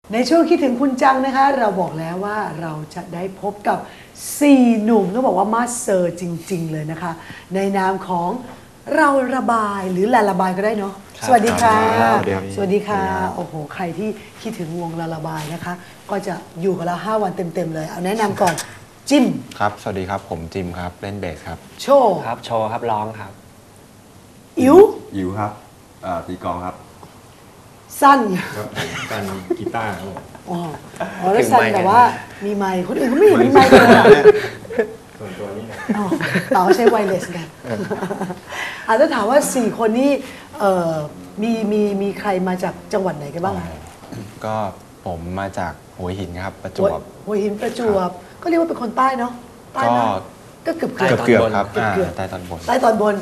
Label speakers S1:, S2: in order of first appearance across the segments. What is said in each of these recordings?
S1: ในช่วงคิดถึงคุณจังนะคะเราบอกแล้วว่าเราจะได้พบกับ4หนุ่มต้องบอกว่ามาสเตอร์จริงๆเลยนะคะในนามของเราระบายหรือลาระบายก็ได้เนาะสวัสดีค่ะสวัสดีค่ะโอ้โหใครที่คิดถึงวงลาระบายนะคะก็จะอยู่กับเรา5 วันเต็มๆเลยเอาแนะนำก่อนจิม
S2: ครับสวัสดีครับผมจิมครับเล่นเบสครับ
S1: โชว์
S3: ครับโชว์ครับร้องครับ
S1: อิ๋ว
S4: ครับตีกลองครับ
S1: สั้น
S4: การกีตาร์ครับผม
S1: อ๋อแล้วสั้นแต่ว่ามีไมค์คนอื่นเขาไม่เห็นมีไมค์เลยอ่ะ
S4: ส่วนตัวนี้นะ
S1: เราใช้ไวเลสกันอาจจะถามว่า4คนนี้มีใครมาจากจังหวัดไหนกันบ้าง
S2: ก็ผมมาจากหัวหินครับประจวบ
S1: หัวหินประจวบก็เรียกว่าเป็นคนใต้เนาะใต้นะก็เกือบ
S2: ครับใต้ตอนบน
S1: ใต้ตอนบน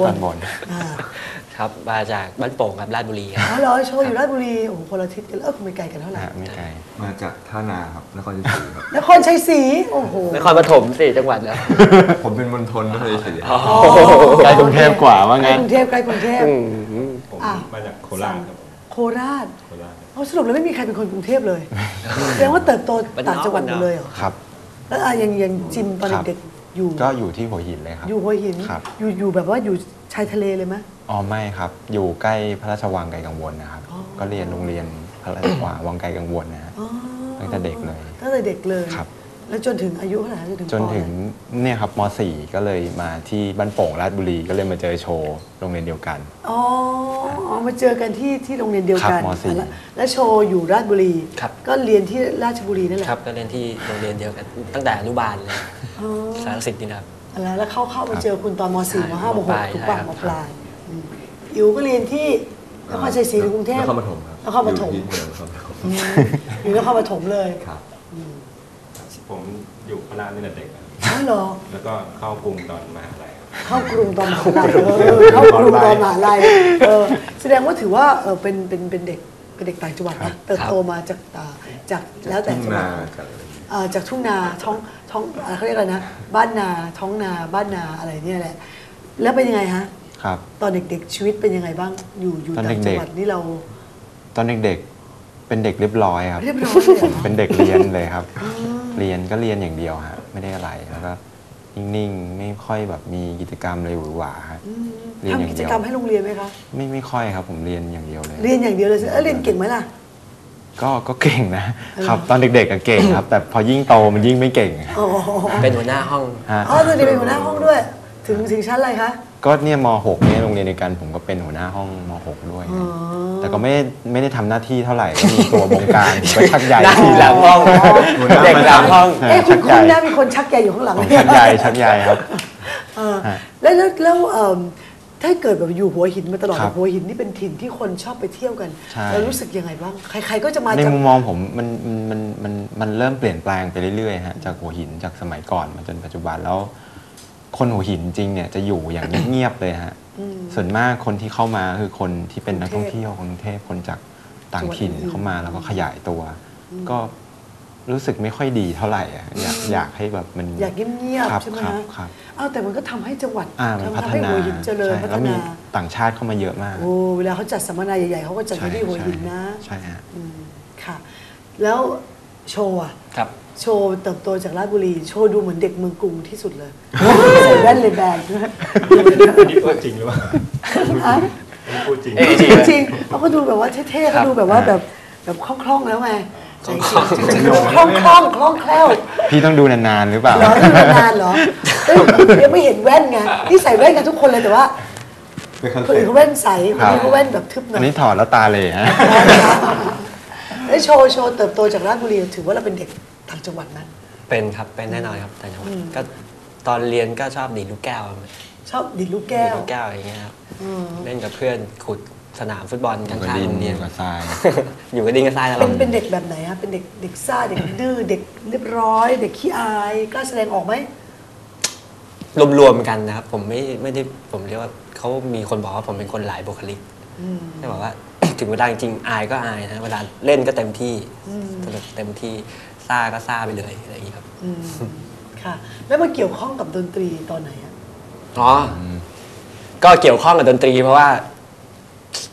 S3: ครับมาจากบ้านโป่งครับราชบุรีครับ
S1: อ๋อเหรอโชว์อยู่ราชบุรีโอ้โหคนละทิศกันไม่ไกลกันเท่าไหร่
S2: ไม่ไกล
S4: มาจากท่านาครับนครชัยศรีครับ
S1: นครชัยศรีโอ้โห
S3: นครปฐม4 จังหวัดแล้ว
S4: ผมเป็นมณฑลนครชัยศรี
S2: ใกล้กรุงเทพกว่าว่างั้น
S1: ใกล้กรุงเทพ
S4: ผมมาจากโคราชครับ
S1: โคราชสรุปแล้วไม่มีใครเป็นคนกรุงเทพเลยแสดงว่าเติบโตต่างจังหวัดหมดเลยเหรอ
S2: ครับ
S1: แล้วยังจิมตอนเด็ก
S2: ก็อยู่ที่หัวหินเลยครับ
S1: อยู่หัวหินอยู่แบบว่าอยู่ชายทะเลเลยไหม
S2: อ๋อไม่ครับอยู่ใกล้พระราชวังไกลกังวลนะครับก็เรียนโรงเรียนพระราชวังไกลกังวลนะฮะตั้งแต่เด็กเลย
S1: ครับแล้วจนถึงอายุเท่าไหร่
S2: จนถึงเนี่ยครับม.4 ก็เลยมาที่บ้านโป่งราชบุรีก็เลยมาเจอโชว์โรงเรียนเดียวกัน
S1: อ๋อมาเจอกันที่โรงเรียนเดียวกัน
S2: ม.4
S1: แล้วโชว์อยู่ราชบุรีก็เรียนที่ราชบุรีนั่นแหละ
S3: ครับก็เรียนที่โรงเรียนเดียวกันตั้งแต่อนุบาลเลยสารสิทธิ์นี่ครับ
S1: แล้วเข้ามาเจอคุณตอนม.4 ม.5 ม.6 ทุกวันม.ปลายอิ๋วก็เรียนที่นครชัยศรีหรือกรุงเทพ
S4: นครปฐมครับ
S1: นครปฐมอยู่นครปฐมเลย
S4: ครับผมอยู่พระรามตั้งแต่เด็กครับ
S1: อ๋อเหรอ
S4: แล้วก็เข้ากรุงตอนมหาลัย
S1: เข้ากรุงตอนมหาลัยแสดงว่าถือว่าเป็นเด็กต่างจังหวัดนะเติบโตมาจากแล้วแต่จังหวัดจากทุ่งนาท้องเขาเรียกอะไรนะบ้านนาท้องนาบ้านนาอะไรเนี่ยแหละแล้วเป็นยังไงฮะตอนเด็กๆชีวิตเป็นยังไงบ้างอยู่ต่างจังหวัดนี่เรา
S2: ตอนเด็กๆเป็นเด็กเรียบร้อยครับผมเป็นเด็กเรียนเลยครับเรียนก็เรียนอย่างเดียวฮะไม่ได้อะไรแล้วก็นิ่งๆไม่ค่อยแบบมีกิจกรรมเลยหวือหวา
S1: เรียนอย่างเดียวทำกิจกรรมให้โรงเรียนไหมคะ
S2: ไม่ค่อยครับผมเรียนอย่างเดียวเลย
S1: เรียนอย่างเดียวเลยเรียนเก่งไหมล่ะ
S2: ก็เก่งนะครับตอนเด็กๆก็เก่งครับแต่พอยิ่งโตมันยิ่งไม่เก่ง
S3: เป็นหัวหน้าห้อง
S1: ตอนนี้เป็นหัวหน้าห้องด้วยถึงชั้นอะไรคะ
S2: ก็เนี่ยม.6 เนี่ยโรงเรียนในการผมก็เป็นหัวหน้าห้องม.6 ด้วยแต่ก็ไม่ได้ทำหน้าที่เท่าไหร่ก็มีตัวบงการก็ชักใหญ่
S3: หลังห้องเด็กหลังห้อง
S1: คุณน่ามีคนชักใหญ่อยู่ข้างหลัง
S2: ชักใหญ่ครับ
S1: แล้วถ้าเกิดแบบอยู่หัวหินมาตลอดหัวหินนี่เป็นถิ่นที่คนชอบไปเที่ยวกันเรารู้สึกยังไงบ้างใครๆก็จะมา
S2: ในมุมมองผมมันเริ่มเปลี่ยนแปลงไปเรื่อยๆฮะจากหัวหินจากสมัยก่อนมาจนปัจจุบันแล้วคนหัวหินจริงเนี่ยจะอยู่อย่างเงียบๆเลยฮะส่วนมากคนที่เข้ามาคือคนที่เป็นนักท่องเที่ยวคนกรุงเทพคนจากต่างถิ่นเข้ามาแล้วก็ขยายตัวก็รู้สึกไม่ค่อยดีเท่าไหร่อยากให้แบบมัน
S1: อยากเงียบๆใช่ไหมครับแต่มันก็ทำให้จังหวัด
S2: พัฒนา
S1: เจริญพัฒนา
S2: ต่างชาติเข้ามาเยอะมาก
S1: โอ้เวลาเขาจัดสัมมนาใหญ่ๆเขาก็จัดที่หัวหินนะ
S2: ใช่ฮะ
S1: ค่ะแล้วโชว์อะโชว์เติบโตจากราชบุรีโชว์ดูเหมือนเด็กเมืองกรุงที่สุดเลยใส่แว่นเลยแบน
S4: นี่พูดจริงหรือเปล่าพูดจริง
S1: จริงเขาก็ดูแบบว่าเท่ๆเขาดูแบบว่าแบบคล่องๆแล้วไงคล่องแคล่ว
S2: พี่ต้องดูนานๆหรือเปล่า
S1: นานเหรอยังไม่เห็นแว่นไงที่ใส่แว่นกันทุกคนเลยแต่ว่าคนอื่นเขาแว่นใสคนนี้เขาแว่นแบบทึบหน่อย
S2: อันนี้ถอดแล้วตาเลยฮะ
S1: แล้วโชว์เติบโตจากราชบุรีถือว่าเราเป็นเด็กต่างจังหวัดนั้น
S3: เป็นครับเป็นแน่นอนครับต่างจังหวัดก็ตอนเรียนก็ชอบดีดลูกแก้ว
S1: ชอบดีดลูกแก้ว
S3: อย่างเงี้ยครับเล่นกับเพื่อนขุดสนามฟุตบอลข้างๆโรงเรียน
S2: กับทราย
S3: อยู่กับดินกับทรายตลอด
S1: เป็นเด็กแบบไหนครับเป็นเด็กซ่าเด็กดื้อเด็กเรียบร้อยเด็กขี้อายกล้าแสดงออกไหม
S3: รวมๆกันนะครับผมไม่ได้ผมเรียกว่าเขามีคนบอกว่าผมเป็นคนหลายบุคลิกได้บอกว่าถึงเวลาจริงอายก็อายนะเวลาเล่นก็เต็มที่เต็มที่ซ่าก็ซ่าไปเลยอะไรอย่างนี้ครับ
S1: ค่ะแล้วมาเกี่ยวข้องกับดนตรีตอนไหนอ่ะ
S3: ก็เกี่ยวข้องกับดนตรีเพราะว่า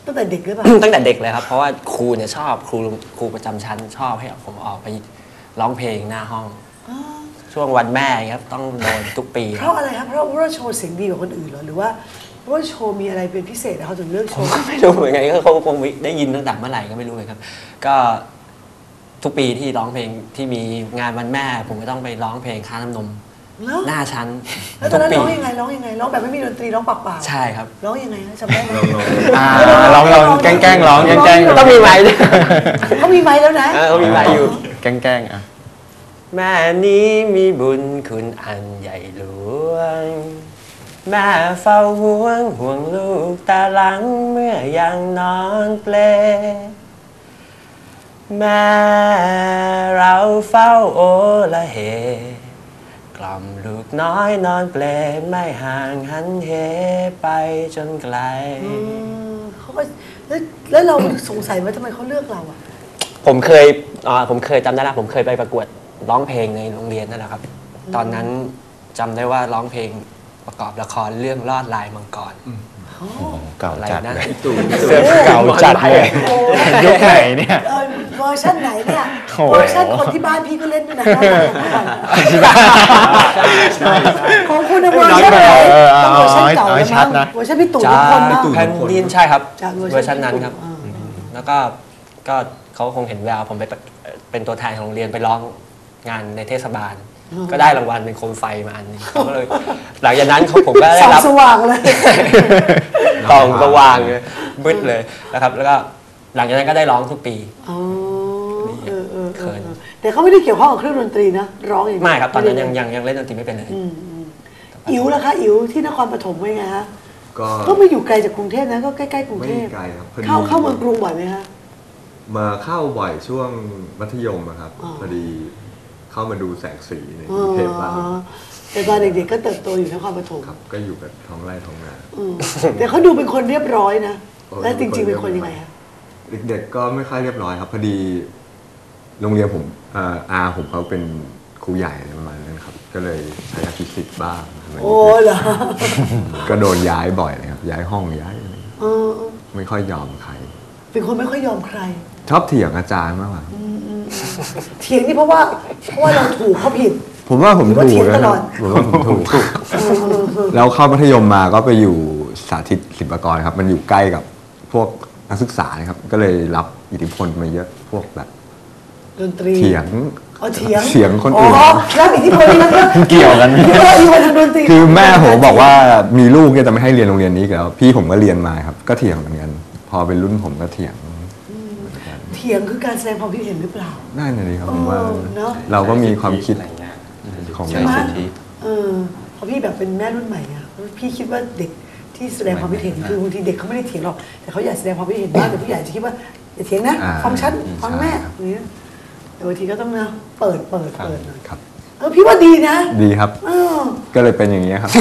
S1: ตั้งแต่เด็กหรือเปล่า
S3: ตั้งแต่เด็กเลยครับเพราะว่าครูเนี่ยชอบครูประจำชั้นชอบให้ผมออกไปร้องเพลงหน้าห้องช่วงวันแม่ครับต้องโดนทุกปี
S1: เพราะอะไรครับเพราะว่าโชว์เสียงดีกว่าคนอื่นเหรอหรือว่าเพราะว่าโชว์มีอะไรเป็นพิเศษเขาถึงเลือกโชว์
S3: ไม่รู้เหมือนกันก็เขาคงได้ยินตั้งแต่เมื่อไหร่ก็ไม่รู้เลยครับ ก็ทุกปีที่ร้องเพลงที่มีงานวันแม่ ผมก็ต้องไปร้องเพลงค่าน้ำนม
S1: เหรอ
S3: หน้าชั้น
S1: แล้วตอนนั้น
S3: ทุก
S1: ร้อง
S3: ปี
S1: ยังไงร้องยังไงร้องแบบไม่มีดนตรีร้องเปล่าๆ
S3: ใช่ครับ
S1: ร้องยังไงนะจำได้ไหม
S2: ลองแกล้งร้องแกล้ง
S3: ต้องมีไม้ด้วย
S1: เขามีไม้แล้วนะ
S3: เขามีไม้อยู่
S2: แกล้งอ่ะ
S3: แม่นี้มีบุญคุณอันใหญ่หลวง แม่เฝ้าห่วงลูกตาหลังเมื่อยังนอนเปล แม่เราเฝ้าโอละเหกล่อมลูกน้อยนอนเปลไม่ห่างหันเหไปจนไกล
S1: เขาก็แล้วเราสงสัยว่าทำไมเขาเลือกเราอ่ะ
S3: ผมเคยจำได้แล้วผมเคยไปประกวดร้องเพลงในโรงเรียนนั่นแหละครับ ตอนนั้นจำได้ว่าร้องเพลงประกอบละครเรื่องลอดลายมังกร
S2: เก่า
S3: อะไร
S2: จัด
S3: นะ
S2: เลย
S3: เสื้อ
S2: เก่าจัดเลยยุคไหนเนี่ย
S1: เวอร์ชันไหนเนี่ย
S2: โอ้โห
S1: เวอร์ชันคนที่บ้านพี่ก็เล่นด้วยนะของคุณเวอร์ชันไหนต้องเวอร์ชันเก่าแล้วมั้งเวอร์ชันพี่ตู่
S3: จา
S1: ทุกคนนะ
S3: แผ่นดินใช่ครับ
S1: จาก
S3: เวอร์ชันนั้นครับ
S1: อ่า
S3: แล้วก็เขาคงเห็นแววผมไปเป็นตัวแทนของโรงเรียนไปร้องงานในเทศบาล ก็ได้รางวัลเป็นโคมไฟมาอันหนึงเขาก็เลยหลังจากนั้นผมก็ได้
S1: ส่อง
S3: รับ
S1: สว่างเลย
S3: ตองสว่างเลยมืดเลยนะครับ แล้วก็หลังจากนั้นก็ได้ร้องทุกปี
S1: อ๋อแต่เขาไม่ได้เกี่ยวข้องกับเครื่องดนตรีนะร้องอย่าง
S3: ไม่ครับตอนนั้นยังเล่นดนตรีไม่เป็นเลย
S1: อิ๋วล่ะคะอิ๋วที่นครปฐมเป็นไงฮะ
S5: ก็
S1: ก็ไม่อยู่ไกลจากกรุงเทพนะก็ใกล้ๆกรุง
S5: ไม่
S1: เทพ
S5: ไกลครับพอดี
S1: เข้าเมืองกรุงบ่อยไหมฮะ
S5: มาเข้าบ่อยช่วงมัธยมอะครับ
S1: อ๋อ
S5: พอดีเข้ามาดูแสงสีในกรุงเทพบ้าง
S1: แต่ตอนเด็กๆก็เติบโตอยู่นครปฐม
S5: ครับก็อยู่กับท้องไร่ท้องนา
S1: แต่เขาดูเป็นคนเรียบร้อยนะ
S5: โอ้
S1: แล้วจริงๆเป็นคนยังไงฮะ
S5: เด็กๆก็ไม่ค่อยเรียบร้อยครับ พอดีโรงเรียนผมอาผมเขาเป็นครูใหญ่อะไรประมาณนั้นครับ ก็เลยใช้อภิสิทธิ์บ้างอะไรอย่าง
S1: โอ้
S5: เงี้ย
S1: เหรอ
S5: ก็โดนย้ายบ่อยเลยครับย้ายห้องย้ายอะไร
S1: เออ
S5: ไม่ค่อยยอมใคร
S1: เป็นคนไม่ค่อยยอมใคร
S5: ชอบเถียงอาจารย์มากกว่า
S1: เถียงนี่เพราะว่าเราถูกเขาผิด
S5: ผมว่าผม
S1: หรือว่า
S5: ถู
S1: เถีย
S5: ก
S1: ง
S5: นะ
S1: ต
S5: ค
S1: ล
S5: รั
S1: อบ ด
S5: ผมว่าผมถูก แล้วเข้ามัธยมมาก็ไปอยู่สาธิตศิลปากรครับ มันอยู่ใกล้กับพวกนักศึกษานะครับ ก็เลยรับอิทธิพลมาเยอะพวกแบบ
S1: ดนตรี
S5: เถียง
S1: อ๋อเถียง
S5: เสียงคนอื่น
S1: แล้วอิทธิพลนี่นะ
S2: เกี่ยวกัน
S1: อิทธิพลทางดนตรี
S5: คือแม่ผมบอกว่ามีลูกเนี่ยจะไม่ให้เรียนโรงเรียนนี้อีกแล้ว พี่ผมก็เรียนมาครับ ก็เถียงเหมือนกัน พอเป็นรุ่นผมก็เถียง
S1: เถียงคือการแสดงความคิดเห็นหรือเปล่า
S5: ได้นะดิครับผมว่า
S1: เนอะ
S5: เราก็มีความคิด
S2: อะไรเงี้ย
S5: ของ
S2: ใช่
S5: เรา
S2: สิทธิ
S1: เพราะพี่แบบเป็นแม่รุ่นใหม่ไงพี่คิดว่าเด็กที่แสดงความคิดเห็นคือบางทีเด็กเขาไม่ได้เถียงหรอกแต่เขาอยากแสดงความคิดเห็นบ้างแต่ผู้ใหญ่จะคิดว่าอย่าเถียงนะฟังฉันฟังแม่อย่างเงี้ยแต่บางทีก็ต้องนะเปิดหน่อย
S5: ครับ
S1: พี่ว่าดีนะ
S5: ดีครับ
S1: เออ
S5: ก็เลยเป็นอย่างนี้ยครับ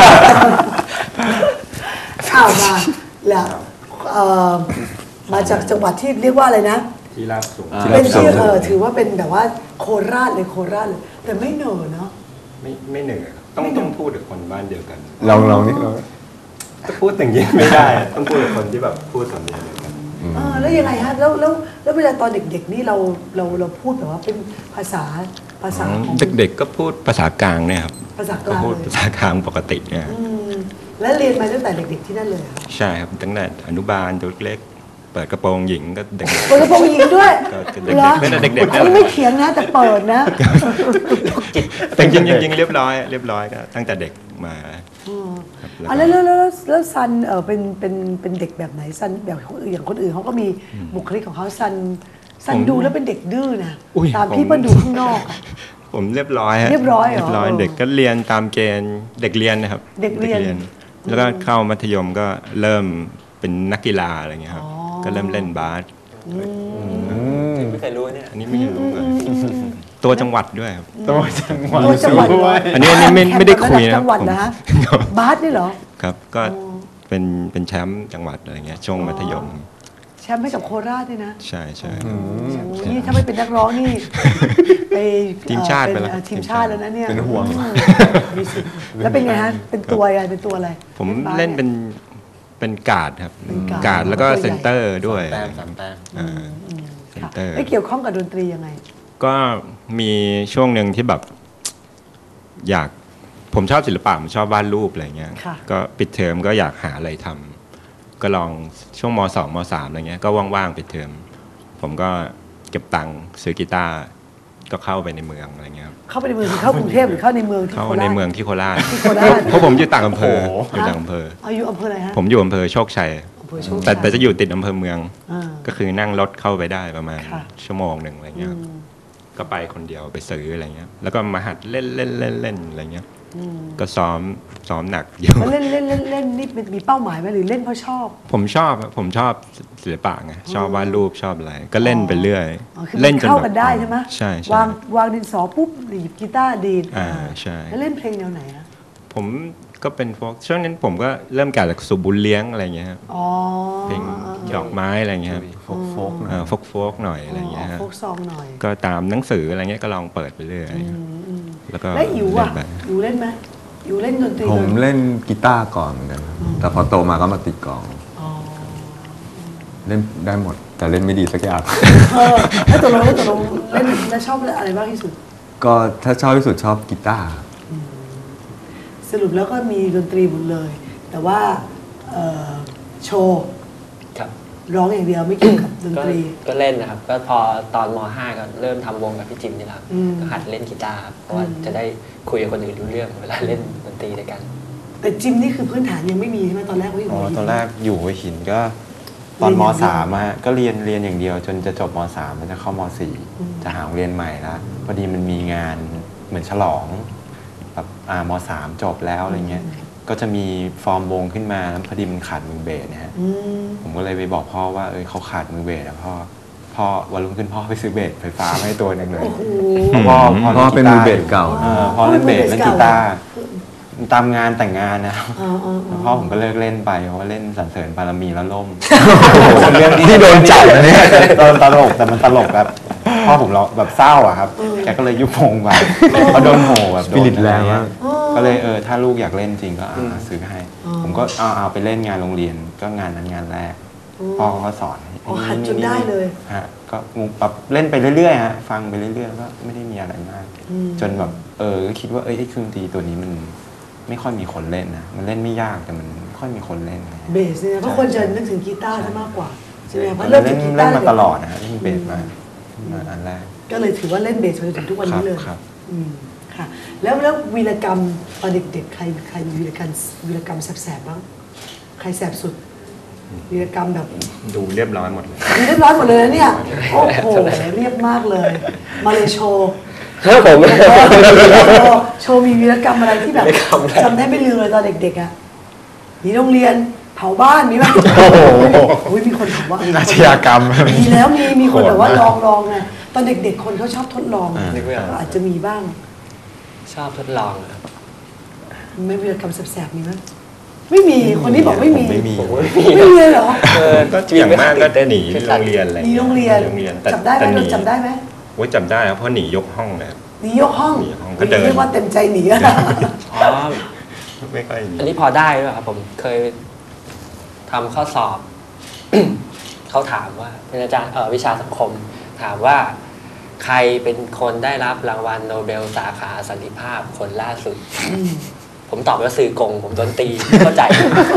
S1: ข่าวมาแล้วมาจากจังหวัดที่เรียกว่าอะไรนะ
S4: ที่ราบสูง
S1: เป็นที่ถือว่าเป็นแบบว่าโคราชเลยแต่ไม่เหนอเนาะ
S4: ไม่เหนื่อยครับต้องพูดกับคนบ้านเดียวกัน
S5: ลองนี่เรา
S4: จะพูดอย่างนี้ไม่ได้ ต้องพูดกับคนที่แบบพูดสำเนียงเดียวกัน
S1: แล้วยังไงฮะแล้วเวลาตอนเด็กๆนี่เราพูดแบบว่าเป็นภาษาของ
S6: เด็กๆก็พูดภาษากลางเนี่ยครับ
S1: ภาษาก
S6: ก็
S1: ลาง
S6: พูด
S1: เลย
S6: ภาษากลางปกติเนี่ย
S1: และเรียนมาตั้งแต่เด็กๆที่นั่นเลยเหรอ
S6: ใช่ครับตั้งแต่อนุบาลตัวเล็กเปิดกระโปรงหญิงก็เด็ก
S1: เปิดกระโปรงหญิงด้วย
S6: ก็เด็กๆไม่ได้เด็กๆ
S1: อันนี้ไม่เถียงนะแต่เปิดนะ
S6: แต่จริงๆเรียบร้อยก็ตั้งแต่เด็กมาครับ
S1: แล้วซันเป็นเด็กแบบไหนซันแบบอย่างคนอื่นเขาก็มีบุคลิกของเขาซันดูแล้วเป็นเด็กดื้อนะตามพี่เปิ้ลดูข้างนอกอะ
S6: ผมเรียบร้อยฮะ
S1: เรียบร้อยเหรอ
S6: เรียบร้อยเด็กก็เรียนตามเกณฑ์เด็กเรียนนะครับ
S1: เด็กเรียน
S6: แล้วก็เข้ามัธยมก็เริ่มเป็นนักกีฬาอะไรเงี้ยครับก็เริ่มเล่นบาส
S3: ไม่เคยรู้เนี่ย
S6: อันนี้ไม่รู้เลยตัวจังหวัดด้วยครับ
S2: ตัวจังหวัด
S1: ตัวจังหวัดเหรอ
S6: อันนี้ไม่ได้คุยนะ
S1: จังหวัดนะฮะบาสนี่เหรอ
S6: ครับก็เป็นแชมป์จังหวัดอะไรเงี้ยช่วงมัธยม
S1: แชมป์ให้กับโคราชด้วยนะ
S6: ใช่
S1: นี่ถ้าไม่เป็นนักร้องนี่ไป
S6: ทีมชาติไปแล้ว
S1: ทีมชาติแล้วนะเนี่ย
S5: เป็นห่วง
S1: มีสิทธิ์แล้วเป็นไงฮะเป็นตัวอะไรเป็นตัวอะไร
S6: ผม
S1: บาส
S6: เล่นเป็นเป็นการ์ดครับ
S1: เป็นการ์ด
S6: การ์ดแล้วก็
S1: ตัวใหญ่
S6: เซนเตอร์ด้วย
S3: แต้มสามแต้ม
S6: อ่า เซ็น
S1: ค่ะ
S6: เตอร์
S1: ไม่เกี่ยวข้องกับดนตรียังไง
S6: ก็มีช่วงหนึ่งที่แบบผมชอบศิลปะผมชอบวาดรูปอะไรเงี้ย
S1: ค่ะ
S6: ก็ปิดเทอมก็อยากหาอะไรทำก็ลองช่วงม2ม3อะไรเงี้ยก็ว่างๆปิดเทอมผมก็เก็บตังค์ซื้อกีตาร์ก็เข้าไปในเมืองอะไรเงี้ยครับ
S1: เข้าไปในเมืองหรือเข้ากรุงเทพหรือเข้าในเมืองที่
S6: เข้า
S1: โคราช
S6: ในเมืองที่โคราช
S1: ที่โคราช
S6: เพราะผมอยู่ต่างอำเภอ
S2: โอ้โห
S6: อยู่ต่างอำเภอ
S1: อายุอำเภออะไรฮะ
S6: ผมอยู่อำเภอโชคชัย
S1: อำเภอโชคชัย
S6: แต่จะอยู่ติดอำเภอเมือง
S1: อ่า
S6: ก็คือนั่งรถเข้าไปได้ประมาณ
S1: ค่ะ
S6: ชั่วโมงหนึ่งอะไรเงี้ยครับก็ไปคนเดียวไปซื้ออะไรเงี้ยแล้วก็มาหัดเล่นอะไรเงี้ยก็ซ้อมหนักอยู่
S1: แล้วเล่นนี่มีเป้าหมายไหมหรือเล่นเพราะชอบ
S6: ผมชอบศิลปะไงชอบวาดรูปชอบอะไร ก็เล่นไปเรื่อย
S1: อ๋อคือมันเข้ากันได้ใช่ไหม
S6: ใช่
S1: วางดินสอปุ๊บหยิบกีตาร์ดีด
S6: ใช่
S1: แล้วเล่นเพลงแนวไหนอะ
S6: ผมก็เป็นพวกช่วงนั้นผมก็เริ่มจากสุบุญเลี้ยงอะไรเงี้ยครับ
S1: อ๋อ
S6: เพลงดอกไม้อะไรเงี้ยครับ
S2: โฟกๆหน่อย
S6: โฟกหน่อยอะไรเงี้ยครับ
S1: โฟกซองหน่อย
S6: ก็ตามหนังสืออะไรเงี้ยก็ลองเปิดไปเรื่อยแล้วก็
S1: แล้วอิ๋วอ่ะ
S6: เล่นไป
S1: อิ๋วเล่นไหมอิ๋วเล่นดนตรี
S5: ผมเล่นกีตาร์ก่อนเหมือนกันครับแต่พอโตมาก็มาติดกลอง
S1: อ๋อ
S5: เล่นได้หมด แต่เล่นไม่ดีสักอย่าง
S1: แล้วตกลงเล่นแล้วชอบอะไรบ้างที่สุด
S5: ก็ถ้าชอบที่สุดชอบกีตาร์
S1: สรุปแล้วก็มีดนตรีหมดเลย แต่ว่าโชว์
S3: ครับ
S1: ร้องอย่างเดียวไม่เกี่ยวกับดน
S3: ก็
S1: ตรี
S3: ก็เล่นนะครับ ก็พอตอนม .5 ก็เริ่มทำวงกับพี่จิมนี่แหละครับ
S1: อืม
S3: ก็หัดเล่นกีตาร์ครับเพราะว่าจะได้คุยกับคนอื่นรู้เรื่องเวลาเล่นดนตรีด้วยกัน
S1: แต่จิมนี่คือพื้นฐานยังไม่มีใช่ไหมตอนแรกว่าอยู่
S2: อ๋อ
S1: หัวหิน
S2: ตอนแรกอยู่หัวหินก็ตอน
S1: เรี
S2: ม
S1: ยนอย่างเดียว
S2: 3อะก็เรียนอย่างเดียว จนจะจบม3มันจะเข้าม4จะหาโรงเรียนใหม่ละพอดีมันมีงานเหมือนฉลองแบบม3จบแล้วอะไรเงี้ยก็จะมีฟอร์มวงขึ้นมาแล้วพอดีมันขาดมือเบสนะฮะ
S1: อืม
S2: ผมก็เลยไปบอกพ่อว่าเขาขาดมือเบสแล้วพ่อวันรุ่งขึ้นพ่อไปซื้อเบสไฟฟ้ามาให้ตัวหนึงเลย
S1: โอ้โห
S2: เพราะพ่อ
S5: เพราะเป็นมือเบสเก่า
S2: พ่อเล่นเบสเล่นกีตาร์
S1: คือ
S2: ตามงานแต่งงานนะครับ
S1: อ๋ออ๋ออ๋
S2: แล้
S1: อ
S2: วพ่อผมก็เลิกเล่นไปเพราะว่าเล่นสรรเสริญบารมีแล้วล่ม
S5: เรื่องที่โดนจับนะเนี่ย
S2: ตลกแต่มันตลกแบบพ่อผมเราแบบเศร้าอะครับแกก็เลยยุบวงไปเขาโดนโหแบบโดน
S5: Spirit แรงมาก
S2: ก็เลยถ้าลูกอยากเล่นจริงก็ซื้อให้ ผมก็เอาไปเล่นงานโรงเรียนก็งานนั้นงานแรกพ่อเขาก็สอน
S1: อ๋อหัดจนได้เลย
S2: ฮะก็แบบเล่นไปเรื่อยๆฮะฟังไปเรื่อยๆก็ไม่ได้มีอะไรมาก จนแบบก็คิดว่าไอ้เครื่องดนตรีตัวนี้มันไม่ค่อยมีคนเล่นนะมันเล่นไม่ยากแต่มันไม่ค่อยมีคนเล่นนะ
S1: เบสเนี่ยเพราะคนจะนึกถึงกีตาร์ซะมากกว่าใช่ไหมเพราะ
S2: เล่
S1: เริ่
S2: น
S1: มจากกีตา
S2: เล่น
S1: ร์
S2: มาตลอดนะฮะเล่นเบสมาอันแรก
S1: ก็เลยถือว่าเล่นเบสมาจนถึงทุกวันนี้เลย
S2: ครับ
S1: อืมค่ะ แล้ววีรกรรมตอนเด็กๆใครมีวีรกรรมแสบๆบ้างใครแสบสุดวีรกรรมแบบ
S6: ดูเรียบร้อยหมดเลย
S1: เรียบร้อยหมดเลยนะเนี่ยโอ้โหเรียบมากเลย มาเลยโชว์
S3: ครับผม
S1: โชว์มีวีรกรรมอะไรที่แบบ
S3: วีรกรรมอะไร
S1: จำได้ไม่ลืมเลยตอนเด็กๆอ่ะหนีโรงเรียนเผาบ้านมีไหมโอ้ยมีคนถามว่า
S2: อาชญากรรม
S1: มีแล้วมีคนแบบว่าลองไงตอนเด็กๆคนเขาชอบทดลอง
S3: นึกไม่ออก
S1: อาจจะมีบ้าง
S3: ชอบทดลองครับ
S1: ไม่วีรกรรมแสบๆมีไหมไม่มีคนนี้บอกไม่มี
S2: ไม่มี
S3: ผมก็ไม่มี
S1: ไม่มีเลยเหรอ
S6: ก็อย่างมากก็หนีโรงเรียนอะไร
S1: หนีโรงเรียน
S6: แต่
S1: จับได้ไหม
S6: แต่หนี
S1: จำได้ไหม
S6: โอ้ยจำได้ครับเพราะหนียกห้องเลยครับ
S1: หนียกห้อง
S6: หนียกห้องก็เดิน
S1: เรียกว่าเต็มใจหนีอะ
S3: อ๋อ
S6: ไม่ค่อยหนี
S3: อันนี้พอได้ด้วยครับผมเคยทำข้อสอบ เขาถามว่าเป็นอาจารย์วิชาสังคม ถามว่าใครเป็นคนได้รับรางวัลโนเบลสาขาสันติภาพคนล่าสุด ผมตอบว่าสื่อกง ผมโดนตีเข้าใจ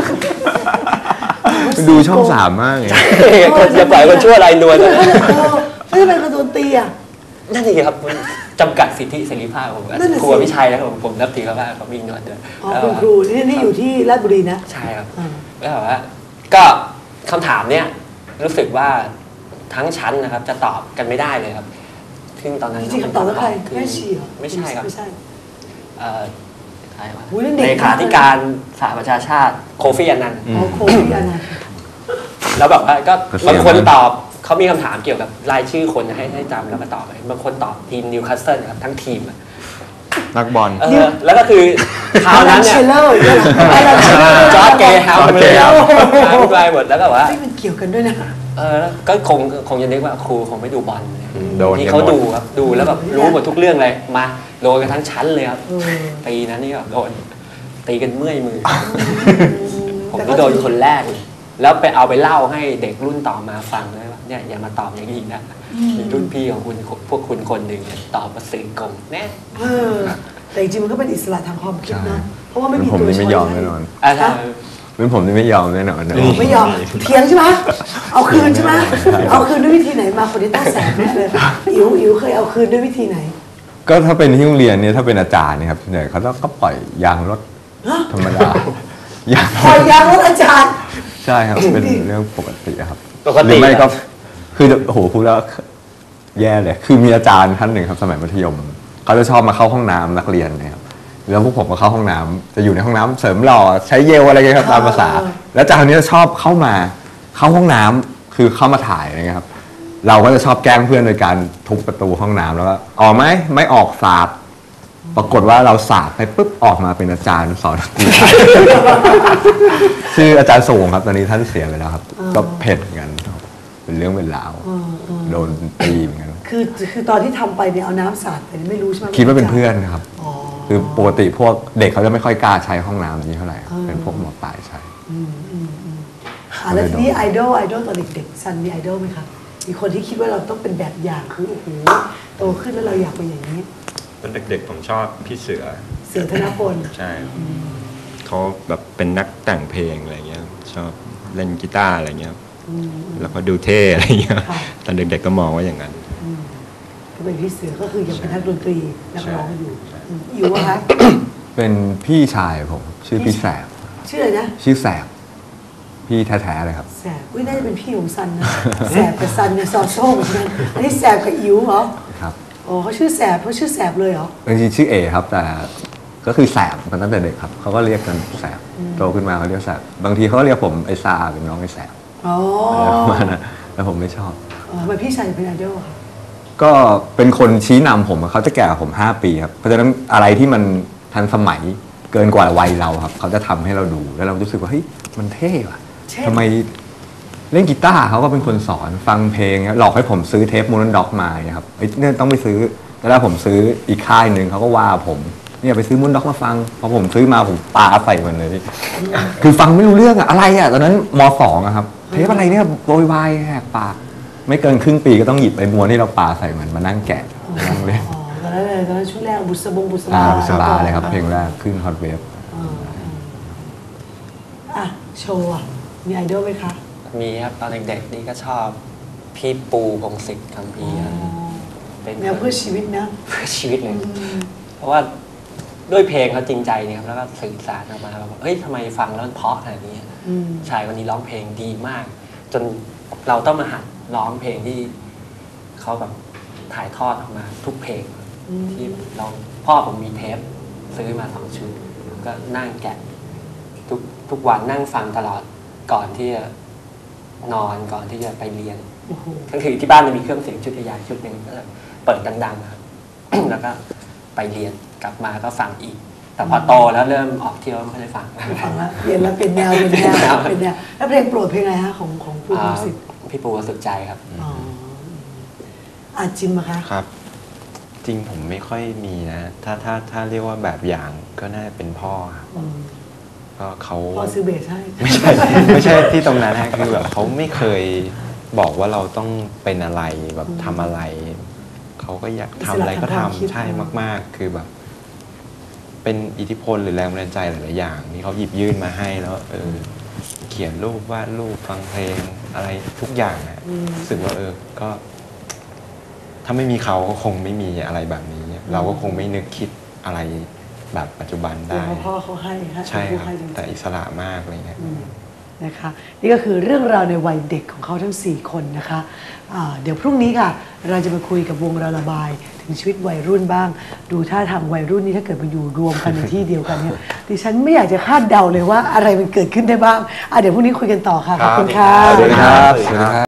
S5: ดูช่อง3มากเลย
S3: คนจะปล่อยคนชั่วลายนวล
S1: ไม่ได้เป็นกระโดนตีอ่ะ
S3: นั่นเองครับมันจำกัดสิทธิเสรีภาพผม
S1: นั่นน่ะสิ
S3: ครูวิชัยนะครับผมนับถือเขามากเขามีหนวดด้วย
S1: อ๋อคุณครูนี่อยู่ที่ราชบุรีนะ
S3: ใช่ครับ
S1: อ่า
S3: แล้วแบบว่าก็คำถามเนี้ยรู้สึกว่าทั้งชั้นนะครับ จะตอบกันไม่ได้เลยครับซึ่งตอนนั้น
S1: จริงๆคำตอบแล้วใคร
S3: คือ
S1: แม่ชีเหรอ
S3: ไม่ใช่ครับ
S1: ไม่ใช่
S3: ใครวะ
S1: อุ๊ยนั่นเด็ก
S3: เลขาธิการสหประชาชาติโคฟี่อันนันต์
S1: อ๋อโควิดอันนั้น
S3: แล้วแบบว่าก็
S5: ก็เสี่ยง
S3: บางคน
S5: นะ
S3: ตอบเขามีคำถามเกี่ยวกับรายชื่อคนให้จำแล้วก็ตอบไปบางคนตอบทีมนิวคาสเซิลครับทั้งทีมอะ
S2: นักบอล
S3: แล้วก็คือคราวนั้น
S1: เช
S3: เนี่ย
S1: ลเลอร์เนี่ย
S3: จอร์จเกย์แฮม
S2: จอร์จ
S3: เล
S2: เก
S3: ย
S2: ย์
S3: ค
S2: แฮ
S3: รับ
S2: ม
S3: อธิบายหมดแล้วก็แบบว่า
S1: ไม่มันเกี่ยวกันด้วยนะ
S3: แล้วก็คงจะนึกว่าครูคงไม่ดูบอลเนี่ย
S2: โดน
S3: ที่
S2: กัน
S3: เขา
S2: หมด
S3: ดูครับดูแล้วแบบรู้หมดทุกเรื่องเลยมาโดนกันทั้งชั้นเลยครับ
S1: เออ
S3: ปีนั้นนี่แบบโดนตีกันเมื่อยมือ
S1: แ
S3: ผมก็โดนคนแรกเลยแล้วไปเอาไปเล่าให้เด็กรุ่นต่อมาฟังเลยว่าเนี่ยอย่ามาตอบอย่างนี้นะมีรุ่นพี่ของคุณพวกคุณคนหนึ่งเนี่ยตอบมาสื่อกงแน่
S1: แต่จริงๆมันก็เป็นอิสระทางความคิดนะเพราะว่าไม่มี
S5: ผม
S1: ตัว
S5: นี่
S1: ช้
S5: ไม่
S1: อย
S5: ยอม
S1: ให้
S5: แน่นอน
S3: อะไร
S5: เป็นผมนี่ไม่ยอมแน่นอนนะ
S1: ไม่ยอมเถียงใช่ไหมเอาคืนใช่ไหมเอาคืนด้วยวิธีไหนมาคนนี้ต้องแสบแน่เลยอิ๋วเคยเอาคืนด้วยวิธีไหน
S5: ก็ถ้าเป็นที่โรงเรียนเนี่ยถ้าเป็นอาจารย์เนี่ยครับส่วนใหญ่เขาก็ปล่อยยางรถธรรมดายาง
S1: ปล่อยยางรถอาจารย์
S5: ใช่ครับเป็นเรื่องปกติครับ
S3: ปก
S5: หรื
S3: ติ
S5: อไม่ก็คือโอ้โหพูดแล้วแย่เลยคือมีอาจารย์ท่านหนึ่งครับสมัยมัธยมเขาจะชอบมาเข้าห้องน้ำนักเรียนนะครับแล้วพวกผมก็เข้าห้องน้ำจะอยู่ในห้องน้ำเสริมหล่อใช้เยลอะไรเงี้ยครับตามภาษา แล้วอาจารย์คนนี้จะชอบเข้าห้องน้ำคือเข้ามาถ่ายอะไรเงี้ยครับเราก็จะชอบแกล้งเพื่อนโดยการทุบประตูห้องน้ำแล้วก็ออกไหมไม่ออกสาดปรากฏว่าเราสาดไปปุ๊บออกมาเป็นอาจารย์สอนดนตรีชื่ออาจารย์ส่งครับตอนนี้ท่านเสียไปแล้วครับก็เผ็ดเหมือนกันเป็นเรื่องเป็นราวโดนตีเหมือนกัน
S1: คือตอนที่ทำไปเนี่ยเอาน้ำสาดไปไม่รู้ใช่ไหม
S5: คิดว่าเป็นเพื่อนครับ
S1: อ๋อ
S5: คือปกติพวกเด็กเขาจะไม่ค่อยกล้าใช้ห้องน้ำนี้เท่าไหร่เป็นพวกหมอปลายใช้
S1: แล้วทีนี้ไอดอลตอนเด็กๆซันมีไอดอลไหมคะมีคนที่คิดว่าเราต้องเป็นแบบอย่างคือโอ้โหโตขึ้นแล้วเราอยากเป็นอย่างนี้
S6: ตอนเด็กๆผมชอบพี่เสือ
S1: เสือธนพล
S6: ใช่เขาแบบเป็นนักแต่งเพลงอะไรเงี้ยชอบเล่นกีตาร์อะไรเงี้ยแล้วก็ดูเท่อะไรเงี้ยตอนเด็กๆก็มองว่าอย่างนั้น
S1: ก็เป็นพี่เสือก็คือยังเป็นนักดนตรีนักร้องอยู่อยู่วะคะ
S5: เป็นพี่ชายผมชื่อพี่แสบ
S1: ชื่ออะไรนะ
S5: ชื่อแสบพี่แท้ๆเลยครับ
S1: แสบอุ้ยน่าจะเป็นพี่ของซันนะแสบกับซันเนี่ยซอโซ่เหมือนกันอันนี้แสบกับอิ๋วเหรอ
S5: ครับ
S1: อ๋อเขาชื่อแสบเขาชื่อแสบเลยเหรอ
S5: จริงๆชื่อเอครับแต่ก็คือแสบมาตั้งแต่เด็กครับเขาก็เรียกกันแสบโตขึ้นมาเขาเรียกแสบบางทีเขาก็เรียกผมไอ้ซาเป็นน้องไอ้แสบ
S1: อ๋อ
S5: อะไรประมาณนั้นแล้วผมไม่ชอบ
S1: ทำไมพี่ชายเป็นไอดอลค่ะ
S5: ก็เป็นคนชี้นำผมอะเขาจะแก่กว่าผม5 ปีครับเพราะฉะนั้นอะไรที่มันทันสมัยเกินกว่าวัยเราครับเขาจะทำให้เราดูแล้วเรารู้สึกว่าเฮ้ยมันเท่ว่ะทำไมเล่นกีตาร์เขาก็เป็นคนสอนฟังเพลงหลอกให้ผมซื้อเทปมูนด็อกมาครับเนี่ยต้องไปซื้อแล้วผมซื้ออีกค่ายหนึ่งเขาก็ว่าผมเนี่ยไปซื้อมูนด็อกมาฟังพอผมซื้อมาผมปาใส่มันเลยคือฟังไม่รู้เรื่องอะอะไรอะตอนนั้นม.2อะครับเทปอะไรเนี่ยโวยวายแหกปากไม่เกินครึ่งปีก็ต้องหยิบไปม้วนที่เราปาใส่มันมานั่งแกะนั่งเล่น
S1: อ๋อตอนนั้นช่วงแรกบุษบา
S5: บุษบาเลยครับเพลงแรกขึ้นฮอตเวฟ
S1: อ่ะโชว์อ่ะมีไอดอลไหมคะ
S3: มีครับตอนเด็กๆนี่ก็ชอบพี่ปูพงศิษฐ์คัมภีร์ครับเป็น
S1: แนวเพื่อชีวิตนะ
S3: เพื่อชีวิตเลยเพราะว่าด้วยเพลงเขาจริงใจเนี่ยครับแล้วก็สื่อสารออกมาแบบเฮ้ยทำไมฟังแล้วมันเพราะขนาดนี้ชายคนนี้ร้องเพลงดีมาก จนเราต้องมาหัดร้องเพลงที่เขาแบบถ่ายทอดออกมาทุกเพลงที่ร้องพ่อผมมีเทปซื้อมา2 ชุดก็นั่งแกะทุกวันนั่งฟังตลอดก่อนที่จะนอนก่อนที่จะไปเรียนก็คือที่บ้านจะมีเครื่องเสียงชุดใหญ่ชุดหนึ่งก็จะเปิดดังๆครับ แล้วก็ไปเรียนกลับมาก็ฟังอีก แต่พอโตแล้วเริ่มออกเที่ยวไม่ได้ฟัง
S1: ฟังแล้วเปลี่ยนแล้วเป็นแนวแล้วเพลงโปรดเพลงอะไรฮะของปูพงศิษฐ์
S3: พี่ปูสุดใจครับ
S1: อ๋ออ่ะจิมอะคะ
S2: ครับ จริงผมไม่ค่อยมีนะ ถ้าเรียกว่าแบบอย่างก็น่าจะเป็นพ่อครับก็เขา
S1: พ่อซื้อเบสให้
S2: ไม่ใช่ที่ตรงนั้นนะคือแบบเขาไม่เคยบอกว่าเราต้องเป็นอะไรแบบทำอะไรเขาก็อยากทำอะไรก็ทำใช่มากๆ คือแบบ เป็นอิทธิพลหรือแรงบันดาลใจหลายๆอย่างที่เขาหยิบยื่นมาให้แล้วเขียนรูปวาดรูปฟังเพลงอะไรทุกอย่างนะรู้สึกว่าก็ ถ้าไม่มีเขาก็คงไม่มีอะไรแบบนี้ เราก็คงไม่นึกคิดอะไรแบบปัจจุบันได้
S1: พ่อเขาให้ฮะ
S2: ใช่ครับแต่อิสระมากอะไรเงี้ย
S1: นะคะนี่ก็คือเรื่องราวในวัยเด็กของเขาทั้ง4 คนนะคะเดี๋ยวพรุ่งนี้ค่ะเราจะมาคุยกับวงระบายถึงชีวิตวัยรุ่นบ้าง ดูท่าทางวัยรุ่นนี้ถ้าเกิดมาอยู่รวมกันในที่เดียวกันเนี่ยดิฉันไม่อยากจะคาดเดาเลยว่าอะไรมันเกิดขึ้นได้บ้างเดี๋ยวพรุ่งนี้คุยกันต่อค่ะขอบคุณค่ะ
S5: สวัสดีครับ